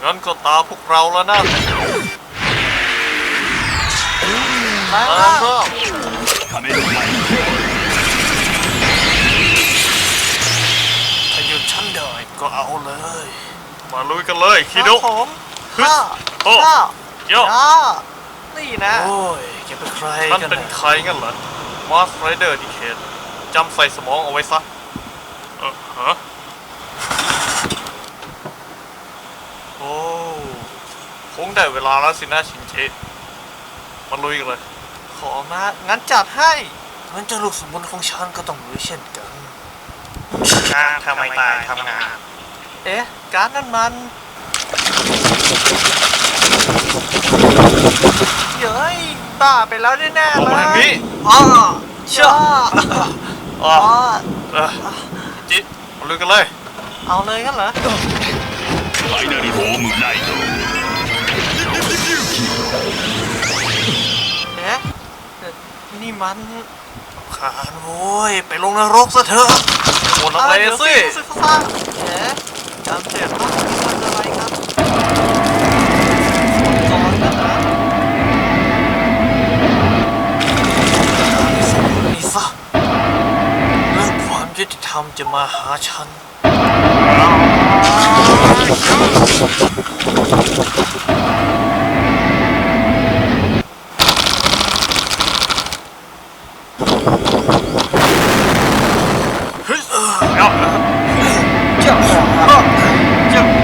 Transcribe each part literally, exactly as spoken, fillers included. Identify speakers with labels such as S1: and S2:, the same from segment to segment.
S1: งั้นก็ตาพวกเราแล้วนะ
S2: มา
S1: ตามรอบถ้าหยุดฉันได้ก็เอาเลยมาลุยกันเลยคิโดะ
S2: ผมข้า
S1: โอ้
S2: ข้า
S1: โย่
S2: ย่านี่นะ
S1: โอ้ยแกเป็นใครกันฉันเป็นใครงั้นเหรอมาสไรเดอร์ดิเคทจำใส่สมองเอาไว้ซะเออฮะโอ้คงได้เวลาแล้วสินะชินเจมาลุยกันเลย
S2: ขอมางั้นจัดให้
S1: งั้นเจ้าลูกสมุนของฉันก็ต้องลุยเช่นกัน
S2: ทำไมตายทำงานเอ๊ะการนั่นมันเย้ยบ้าไปแล้วแน่ๆ
S1: ออก
S2: เล
S1: มาทาง
S2: ย
S1: นี้
S2: อ๋อเชื่อ
S1: อ๋
S2: อ๋
S1: อ
S2: อ
S1: เออจิมาลุยกันเลย
S2: เอาเลยงั้นเหรอ
S3: ファイナルホームライド
S2: เอ๊ะนี่มัน
S1: ขานโว้ยไปลงนรกซะเถอะหมดอะไร
S2: เดี๋ยว
S1: สิ
S2: รู้สึกซ่าเอ๊ะจำเสียงว่ามันอะไรครับก่อนนะนะ
S1: นี่ซะเรื่องความยุติธรรมจะมาหาฉันเฮ้ยเออเอาเจ้าเจ้า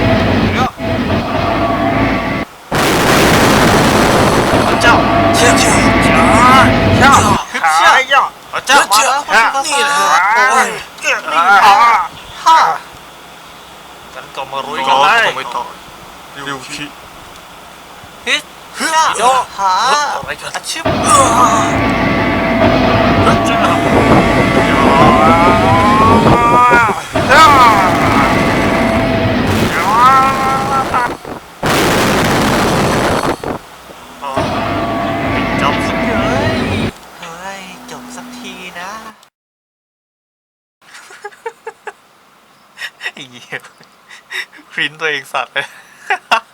S1: เจ้าเจ้าเจ้าเจ้าเจ้าเจ้าเจ้าเจ้ามาแล้วนี่แหละโอ้ยนี่ฮ่ากันก็มารุยกันเลยไม่ต่อริวคิ
S2: ฮิตโยหาอาชีพ
S1: จบสัก
S2: เฮ้ยเฮ้ยจบสักทีนะ
S1: ไอ้เหี้ยครินตัวเองสัตว์เลย